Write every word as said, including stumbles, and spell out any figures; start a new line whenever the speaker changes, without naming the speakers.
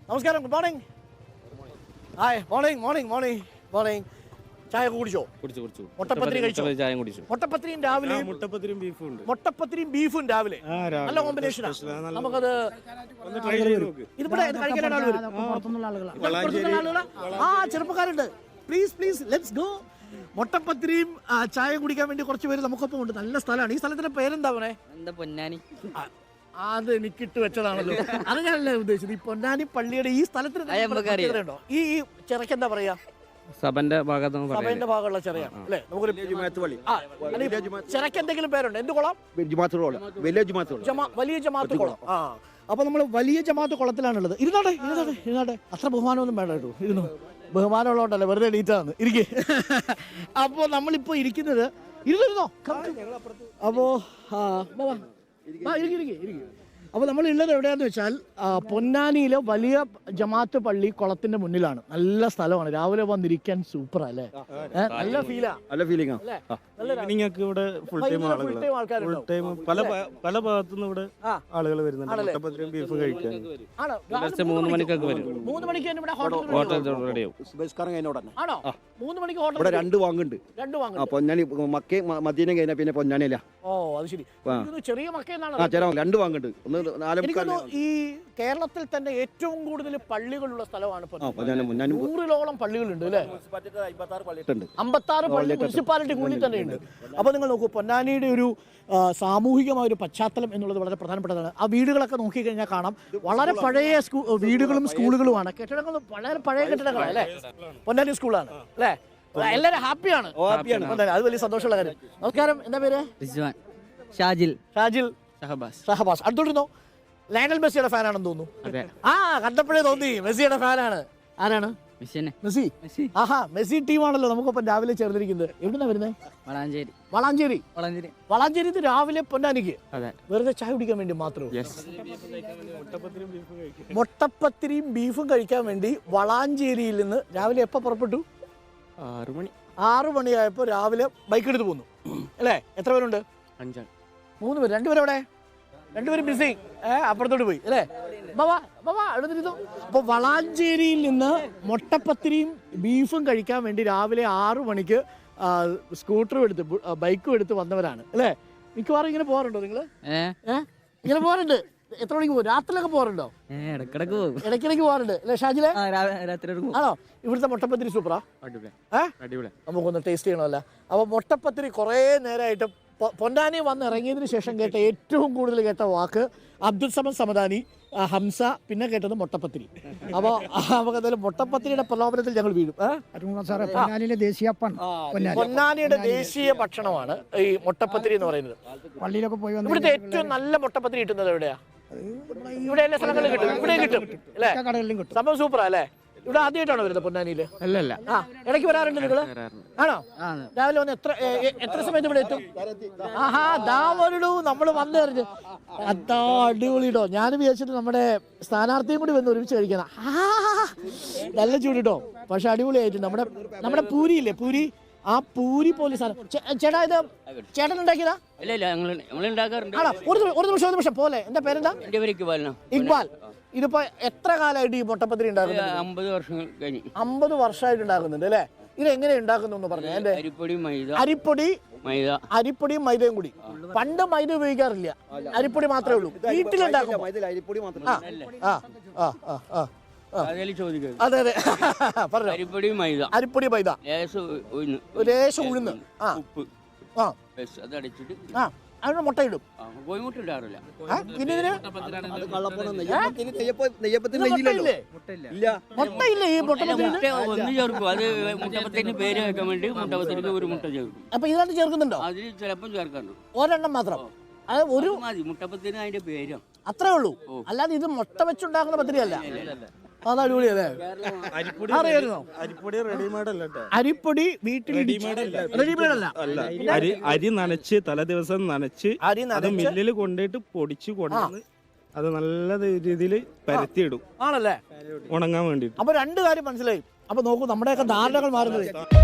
നമസ്കാരം, good morning. Hi, morning morning morning morning. ചായ കുടിച്ചോ?
കുടിച്ചു കുടിച്ചു.
മുട്ടപ്പത്തിരി കഴിച്ചോ?
ചായ കുടിച്ചു.
മുട്ടപ്പത്തിരിയും രാവിലെ
മുട്ടപ്പത്തിരിയും ബീഫും ഉണ്ട്.
മുട്ടപ്പത്തിരിയും ബീഫും രാവിലെ നല്ല കോമ്പിനേഷനാണ്. നമുക്കത് ഇതിവിടെ കഴിക്കാൻ ആൾ വരും. പുറത്തുനിന്നുള്ള ആളുകളാ? ആ, ചെറുപ്പക്കാരുണ്ട്. Please please let's go. മുട്ടപ്പത്തിരിയും ചായ കുടിക്കാൻ വേണ്ടി കുറച്ച് പേര് നമുക്കൊപ്പം ഉണ്ട്. നല്ല സ്ഥലമാണ്. ഈ സ്ഥലത്തിന്റെ പേരെന്താ പറയണേ?
എന്താ പൊന്നാനി?
അത് എനിക്കിട്ട് വെച്ചതാണല്ലോ. അത് ഞാനല്ലേ ഉദ്ദേശിച്ചത്. ഈ പൊന്നാനി പള്ളിയുടെ ഈ സ്ഥലത്തിന് ഉണ്ടോ? ഈ ചിറക്ക് എന്താ പറയാ?
സഭന്റെ ഭാഗത്ത്
സഭയുടെ ഭാഗമുള്ള ചെറിയാണ് അല്ലേ? നമുക്കൊരു ചിറക്ക് എന്തെങ്കിലും പേരുണ്ട്? എന്ത് കുളം? വലിയ ജമാഅത്ത് കുളം. ആ, അപ്പൊ നമ്മൾ വലിയ ജമാഅത്ത് കുളത്തിലാണുള്ളത്. ഇരുന്നാട്ടെ ഇരുന്നാട്ടെ ഇരുന്നാട്ടെ. അത്ര ബഹുമാനമൊന്നും വേണ്ട കേട്ടോ. ഇരുന്നു. ബഹുമാനമുള്ളതുകൊണ്ടല്ലേ വെറുതെ എണീറ്റാന്ന് ഇരിക്കേ. അപ്പോ നമ്മളിപ്പോ ഇരിക്കുന്നത് ഇരുന്നിരുന്നോ? അപ്പോ അപ്പോൾ നമ്മൾ ഉള്ളത് എവിടെയാന്ന് വെച്ചാൽ പൊന്നാനിയിലെ വലിയ ജമാഅത്ത് പള്ളി കുളത്തിന്റെ മുന്നിലാണ്. നല്ല സ്ഥലമാണ്. രാവിലെ വന്നിരിക്കാൻ സൂപ്പർ അല്ലേ? നല്ല ഫീലാ.
നല്ല ഫീലിംഗ് ഇവിടെ ഫുൾ ടൈം ഫുൾ ടൈം പല പല ഭാഗത്തുനിന്ന് ഇവിടെ ആളുകൾ വരുന്നുണ്ട്. മുട്ടപ്പത്തിരിയും ബീഫ് കഴിക്കാൻ
മൂന്ന് മണിക്കൊക്കെ വരും.
മൂന്ന് മണിക്ക് ഇവിടെ
ഹോട്ടൽ റെഡിയാവും.
ആണോ? മൂന്ന് മണിക്ക് ഹോട്ടൽ
ഇവിടെ രണ്ട് വാങ്ങുണ്ട്.
രണ്ട് വാങ്ങുണ്ട്.
പൊന്നാനി മക്കേ മദീന കഴിഞ്ഞാൽ പിന്നെ പൊന്നാനിയല്ല.
ഓ, അത് ശരി. ചെറിയ മക്കയെന്നാണ്.
രണ്ട് വാങ്ങുണ്ട്. ഒന്ന്
ഈ കേരളത്തിൽ തന്നെ ഏറ്റവും കൂടുതൽ പള്ളികളുള്ള സ്ഥലമാണ്. നൂറിലോളം പള്ളികളുണ്ട് അല്ലേ? അമ്പത്താറ് പള്ളി മുനിസിപ്പാലിറ്റിക്കുള്ളിൽ തന്നെ ഉണ്ട്. അപ്പൊ നിങ്ങൾ നോക്കൂ, പൊന്നാനിയുടെ ഒരു സാമൂഹികമായ ഒരു പശ്ചാത്തലം എന്നുള്ളത് വളരെ പ്രധാനപ്പെട്ടതാണ്. ആ വീടുകളൊക്കെ നോക്കിക്കഴിഞ്ഞാൽ കാണാം, വളരെ പഴയ സ്കൂ വീടുകളും സ്കൂളുകളുമാണ്. കെട്ടിടങ്ങൾ വളരെ പഴയ കെട്ടിടങ്ങളാണ് അല്ലേ? പൊന്നാനി സ്കൂളാണ് അല്ലേ? എല്ലാവരും ഹാപ്പിയാണ്. അത് വലിയ സന്തോഷമുള്ള കാര്യം. നമസ്കാരം, എന്താ പേര്?
ഷാജിൽ.
ഷാജിൽ ഷഹബാസ്. ഷഹബാസ്. അടുത്തോട്ടിരുന്നോ? ലയണൽ മെസ്സിയുടെ ഫാനാണെന്ന് തോന്നുന്നു. ആ, കണ്ടപ്പോഴേ തോന്നി മെസ്സിയുടെ ഫാനാണ്. ആരാണ്? മെസ്സി. ആഹാ, മെസ്സി ടീമാണല്ലോ നമുക്കൊപ്പം രാവിലെ ചേർന്നിരിക്കുന്നത്. എവിടുന്നാ വരുന്നത്?
വളാഞ്ചേരി.
വളാഞ്ചേരി.
വളാഞ്ചേരി
വളാഞ്ചേരി രാവിലെ പൊന്നാനിക്ക് വെറുതെ ചായ കുടിക്കാൻ വേണ്ടി മാത്രമേ? മുട്ടപ്പത്തിരിയും ബീഫും കഴിക്കാൻ വേണ്ടി വളാഞ്ചേരിയിൽ നിന്ന് രാവിലെ എപ്പോ പുറപ്പെട്ടു?
ആറു മണി
ആറു മണിയായപ്പോ രാവിലെ ബൈക്ക് എടുത്ത് പോന്നു അല്ലേ? എത്ര പേരുണ്ട്?
അഞ്ചാണ്. മൂന്ന്
പേര്. രണ്ടുപേരും എവിടെ? രണ്ടുപേരും ബിസി. ഏഹ് അപ്പുറത്തോട്ട് പോയി അല്ലേ? ബാബാ ബാബാ എടുത്തിരുന്നു. അപ്പൊ വളാഞ്ചേരിയിൽ നിന്ന് മുട്ടപ്പത്തിരിയും ബീഫും കഴിക്കാൻ വേണ്ടി രാവിലെ ആറു മണിക്ക് സ്കൂട്ടറും എടുത്ത് ബൈക്കും എടുത്ത് വന്നവരാണ് അല്ലേ? മിക്കവാറും ഇങ്ങനെ പോകാറുണ്ടോ നിങ്ങള്? ഏഹ് ഇങ്ങനെ പോകാറുണ്ട്. എത്ര മണിക്ക് പോകും? രാത്രിയിലൊക്കെ പോകാറുണ്ടോ?
ഇടക്കിടക്ക് പോകും.
ഇടയ്ക്കിടയ്ക്ക് പോകാറുണ്ട് അല്ലേ ഷാജിലെ? ആണോ? ഇവിടുത്തെ മുട്ടപ്പത്തിരി സൂപ്പറാ. നമുക്കൊന്ന് ടേസ്റ്റ് ചെയ്യണമല്ലോ. അപ്പൊ മുട്ടപ്പത്തിരി കുറേ നേരമായിട്ട് പൊന്നാനി വന്ന് ഇറങ്ങിയതിന് ശേഷം കേട്ട ഏറ്റവും കൂടുതൽ കേട്ട വാക്ക് അബ്ദുൽ സമദ് സമദാനി, ഹംസ, പിന്നെ കേട്ടത് മുട്ടപ്പത്തിരി. അപ്പോൾ നമുക്ക് എന്തായാലും മുട്ടപ്പത്തിരിയുടെ പ്രലോഭനത്തിൽ ഞങ്ങൾ വീഴും.
പൊന്നാനിയിലെ ദേശീയ
പൊന്നാനിയുടെ ദേശീയ ഭക്ഷണമാണ് ഈ മുട്ടപ്പത്തിരി എന്ന് പറയുന്നത്.
പള്ളിയിലൊക്കെ പോയി
ഇവിടുത്തെ ഏറ്റവും നല്ല മുട്ടപ്പത്തിരി കിട്ടുന്നത് എവിടെയാ? ഇവിടെ എല്ലാ സ്ഥലങ്ങളിലും കിട്ടും. ഇവിടെ കിട്ടും അല്ലേ?
കടകളിലും കിട്ടും.
സംഭവം സൂപ്പറാ അല്ലേ? ഇവിടെ ആദ്യമായിട്ടാണോ വരുന്നത് പൊന്നാനിയില്?
അല്ലല്ല.
ആ, ഇടയ്ക്ക് വരാറുണ്ട് നിങ്ങള്? ആണോ? രാവിലെ വന്ന് എത്ര എത്ര സമയത്ത് ഇവിടെ എത്തും? ആഹാ, ദാ വരൂ, നമ്മള് വന്നു കഴിഞ്ഞു. അതാ അടിപൊളിട്ടോ. ഞാൻ വിചാരിച്ചിട്ട് നമ്മുടെ സ്ഥാനാർത്ഥിയും കൂടി വന്ന് ഒരുമിച്ച് കഴിക്കണം. നല്ല ചൂടിട്ടോ, പക്ഷെ അടിപൊളിയായിട്ട്. നമ്മുടെ നമ്മുടെ പൂരി ഇല്ലേ, പൂരി, ആ പൂരി പോലെ സാധനം. ചേട്ടാ, ഇത് ചേട്ടൻ ഉണ്ടാക്കിയതാ? ആണോ? ഒരു ഒരു നിമിഷം ഒരു നിമിഷം പോലെ. എന്താ പേരെന്താ? ഇക്ബാൽ. ഇതിപ്പോ എത്ര കാലമായിട്ട് ഈ മുട്ടപ്പത്തിരി ഉണ്ടാക്കുന്നത്?
അമ്പത് വർഷം കഴിഞ്ഞു.
അമ്പത് വർഷമായിട്ട് ഉണ്ടാക്കുന്നുണ്ട് അല്ലേ? ഇത് എങ്ങനെ ഉണ്ടാക്കുന്നു പറഞ്ഞു? എന്റെ അരിപ്പൊടി അരിപ്പൊടിയും മൈദയും കൂടി. പണ്ട് മൈദ ഉപയോഗിക്കാറില്ല, അരിപ്പൊടി മാത്രമേ ഉള്ളൂ. വീട്ടിലുണ്ടാക്കും. അതെ അതെ, പറഞ്ഞു.
അരിപ്പൊടി മൈദ.
അരിപ്പൊടി മൈദ, ലേശം ഉഴുന്ന്, ആ ആ ആ അതിന് മുട്ടയിടും.
കോഴിമുട്ട ഇടാറില്ല.
പിന്നെ ഇതിന് മുട്ടയില്ലേ ഈ മുട്ടപ്പത്തിരി?
ഒന്ന് ചേർക്കും. അത് മുട്ടപ്പത്തിന് പേര് വെക്കാൻ വേണ്ടി മുട്ടപ്പത്തിരിക്ക് ഒരു മുട്ട ചേർക്കും.
അപ്പൊ ഇതിനകത്ത് ചേർക്കുന്നുണ്ടോ?
അതിൽ ചിലപ്പോൾ ചേർക്കാറുണ്ട്.
ഒരെണ്ണം മാത്രം. അത് ഒരു
മതി. മുട്ടപ്പത്തിന് അതിന്റെ പേര്
അത്രേ ഉള്ളൂ. അല്ലാതെ ഇത് മുട്ട വെച്ചുണ്ടാക്കുന്ന പത്തിരി അല്ല. അത് അടിപൊളിയല്ലേ? അറിയായിരുന്നോ?
അരിപ്പൊടി റെഡിമെയ്ഡ് അല്ല.
അരിപ്പൊടി വീട്ടിൽ റെഡിമെയ്ഡ് അല്ല.
അരി അരി നനച്ച് തലേ ദിവസം നനച്ച് അത് മില്ലിൽ കൊണ്ടുപോയിട്ട് പൊടിച്ച് കൊണ്ടുവന്ന് അത് നല്ല രീതിയിൽ പരത്തിയിടും.
ആണല്ലേ?
ഉണങ്ങാൻ വേണ്ടിട്ട്.
അപ്പൊ രണ്ട് കാര്യം മനസ്സിലായി. അപ്പൊ നോക്കൂ, നമ്മുടെയൊക്കെ ധാരണകൾ മാറുന്നത്.